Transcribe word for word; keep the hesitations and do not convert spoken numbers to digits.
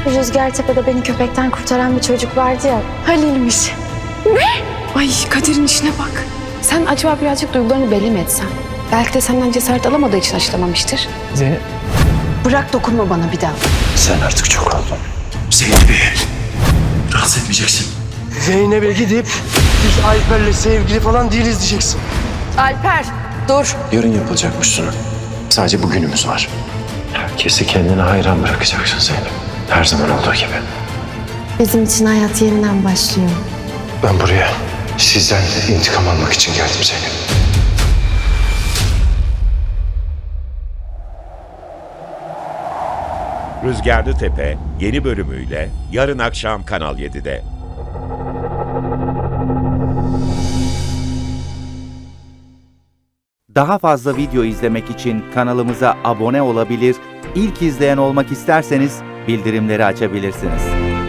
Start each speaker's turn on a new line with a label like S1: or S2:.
S1: Rüzgartepe'de beni köpekten kurtaran bir çocuk vardı ya. Halil'miş.
S2: Ay Kadir'in işine bak. Sen acaba birazcık duygularını belli mi etsen? Belki de senden cesaret alamadığı için aşılamamıştır.
S3: Zeynep.
S2: Bırak dokunma bana bir daha.
S4: Sen artık çok oldun. Zeynep'i rahatsız etmeyeceksin.
S3: Zeynep'e gidip biz Alper'le sevgili falan değiliz diyeceksin.
S2: Alper dur.
S4: Yarın yapılacakmış sunum. Sadece bugünümüz var. Herkesi kendine hayran bırakacaksın Zeynep. Her zaman olduğu gibi.
S1: Bizim için hayat yeniden başlıyor.
S4: Ben buraya sizden de intikam almak için geldim Zeynep.
S5: Rüzgarlı Tepe yeni bölümüyle yarın akşam Kanal yedide.
S6: Daha fazla video izlemek için kanalımıza abone olabilir, ilk izleyen olmak isterseniz bildirimleri açabilirsiniz.